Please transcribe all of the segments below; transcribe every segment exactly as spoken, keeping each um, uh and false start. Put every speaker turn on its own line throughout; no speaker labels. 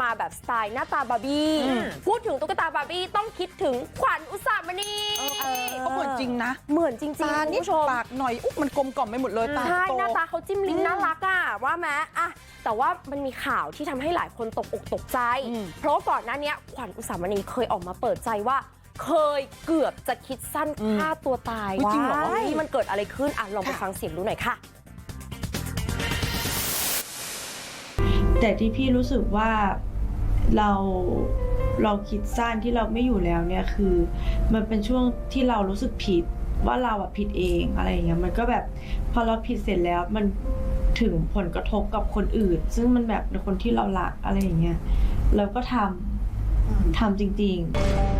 มาแบบสไตล์หน้าตาบาร์บี้พูดถึงตุ๊กตาบาร์บี้ต้องคิดถึงขวัญอุสามณี
เขาเหมือนจริงนะ
เหมือนจริงๆคุณผู้ชม
ปากหน่อยอุ๊บมันกลมกล่อมไปหมดเลยตา
ใช่
โต
หน้าตาเขาจิ้มลิ้มน่ารักอ่ะว่าแม้อะแต่ว่ามันมีข่าวที่ทำให้หลายคนตกอกตกใจเพราะก่อนหน้านี้ขวัญอุสามณีเคยออกมาเปิดใจว่าเคยเกือบจะคิดสั้นฆ่าตัวตายจริงเหรอที่มันเกิดอะไรขึ้นอ่ะลองไปฟังเสียงดูหน่อยค่ะ
แต่ที่พี่รู้สึกว่าเราเราคิดสั้นที่เราไม่อยู่แล้วเนี่ยคือมันเป็นช่วงที่เรารู้สึกผิดว่าเราอะผิดเองอะไรอย่างเงี้ยมันก็แบบพอเราผิดเสร็จแล้วมันถึงผลกระทบกับคนอื่นซึ่งมันแบบในคนที่เรารักอะไรอย่างเงี้ยเราก็ทำทำจริงๆ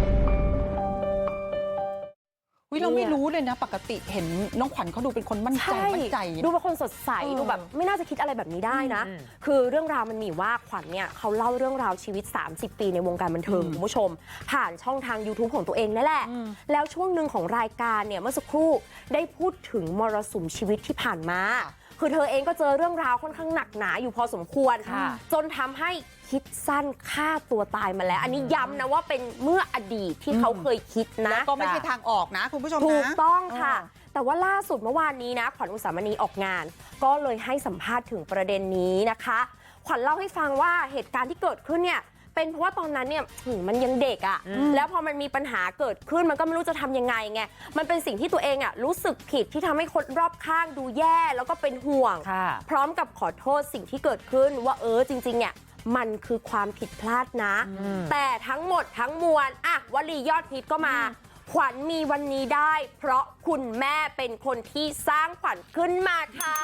วิเราไม่รู้เลยนะปกติเห็นน้องขวัญเขาดูเป็นคนมั่นใจมั่นใจ
ดูเป็นคนสดใสดูแบบไม่น่าจะคิดอะไรแบบนี้ได้นะคือเรื่องราวมันมีว่าขวัญเนี่ยเขาเล่าเรื่องราวชีวิตสามสิบปีในวงการบันเทิงคุณผู้ชมผ่านช่องทาง YouTube ของตัวเองนั่นแหละแล้วช่วงหนึ่งของรายการเนี่ยเมื่อสักครู่ได้พูดถึงมรสุมชีวิตที่ผ่านมาคือเธอเองก็เจอเรื่องราวค่อนข้างหนักหนาอยู่พอสมควรจนทำให้คิดสั้นฆ่าตัวตายมาแล้วอันนี้ย้ำนะว่าเป็นเมื่ออดีตที่เขาเคยคิดนะ
แล้วก็ไม่ใช่ทางออกนะคุณผู้ชมนะ
ถูกต้องค่ะแต่ว่าล่าสุดเมื่อวานนี้นะขวัญอุสามณีออกงานก็เลยให้สัมภาษณ์ถึงประเด็นนี้นะคะขวัญเล่าให้ฟังว่าเหตุการณ์ที่เกิดขึ้นเนี่ยเป็นเพราะว่าตอนนั้นเนี่ยมันยังเด็กอะ่ะแล้วพอมันมีปัญหาเกิดขึ้นมันก็ไม่รู้จะทำยังไงไงมันเป็นสิ่งที่ตัวเองอะ่ะรู้สึกผิดที่ทำให้คนรอบข้างดูแย่แล้วก็เป็นห่วงพร้อมกับขอโทษสิ่งที่เกิดขึ้นว่าเออจริงๆเนี่ยมันคือความผิดพลาดนะแต่ทั้งหมดทั้งมวลอะวลียอดฮิตก็มาขวัญมีวันนี้ได้เพราะคุณแม่เป็นคนที่สร้างขวัญขึ้นมาค่ะ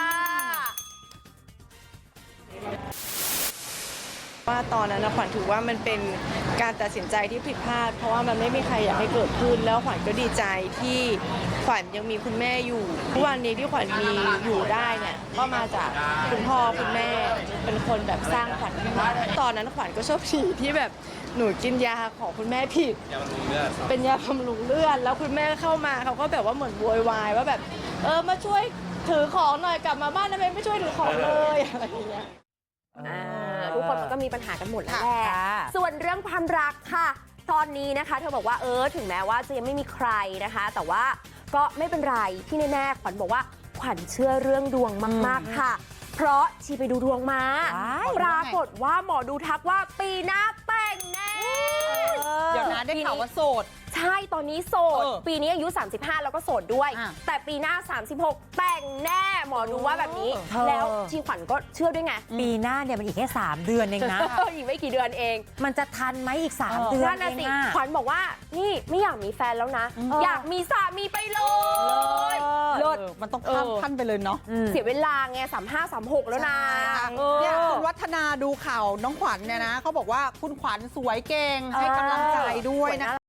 ว่าตอนนั้นนะขวัญถือว่ามันเป็นการตัดสินใจที่ผิดพลาดเพราะว่ามันไม่มีใครอยากให้เกิดขึ้นแล้วขวัญก็ดีใจที่ขวัญยังมีคุณแม่อยู่ทุกวันนี้ที่ขวัญมีอยู่ได้เนี่ยก็มาจากคุณพ่อคุณแม่เป็นคนแบบสร้างขวัญขึ้นมาตอนนั้นขวัญก็โชคดีที่แบบหนูกินยาของคุณแม่ผิดเป็นยาบำรุงเลือดแล้วคุณแม่เข้ามาเขาก็แบบว่าเหมือนโวยวายว่าแบบเออมาช่วยถือของหน่อยกลับมาบ้านทำไมไม่ช่วยถือของเลยอะไรอย่างเงี้ย
ทุกคนมันก็มีปัญหากันหมดแล้วแหละส่วนเรื่องความรักค่ะตอนนี้นะคะเธอบอกว่าเออถึงแม้ว่าจะยังไม่มีใครนะคะแต่ว่าก็ไม่เป็นไรที่แน่ๆขวัญบอกว่าขวัญเชื่อเรื่องดวงมากๆค่ะเพราะชีไปดูดวงมาปรากฏว่าหมอดูทักว่าปีหน้าแต่งแน่
เดี๋ยวนะได้ข่าวว่าโสด
ใช่ตอนนี้โสดปีนี้อายุสามสิบห้าแล้วก็โสดด้วยแต่ปีหน้าสามสิบหกแต่งแน่หมอดูว่าแบบนี้แล้วชีขวัญก็เชื่อด้วยไง
ปีหน้าเนี่ยมันอีกแค่สามเดือนเองนะ
อีกไม่กี่เดือนเอง
มันจะทันไหมอีกสามเดือนเอง
อ่ะขวัญบอกว่านี่ไม่อยากมีแฟนแล้วนะอยากมีสามีไปเลย
เลิศมันต้องข้ามขั้นไปเลยเนาะ
เสียเวลาไงสามห้าสามหกแล้วนะ
เนี่ยคุณวัฒนาดูข่าวน้องขวัญเนี่ยนะเขาบอกว่าคุณขวัญสวยเก่งให้กำลังใจด้วยนะ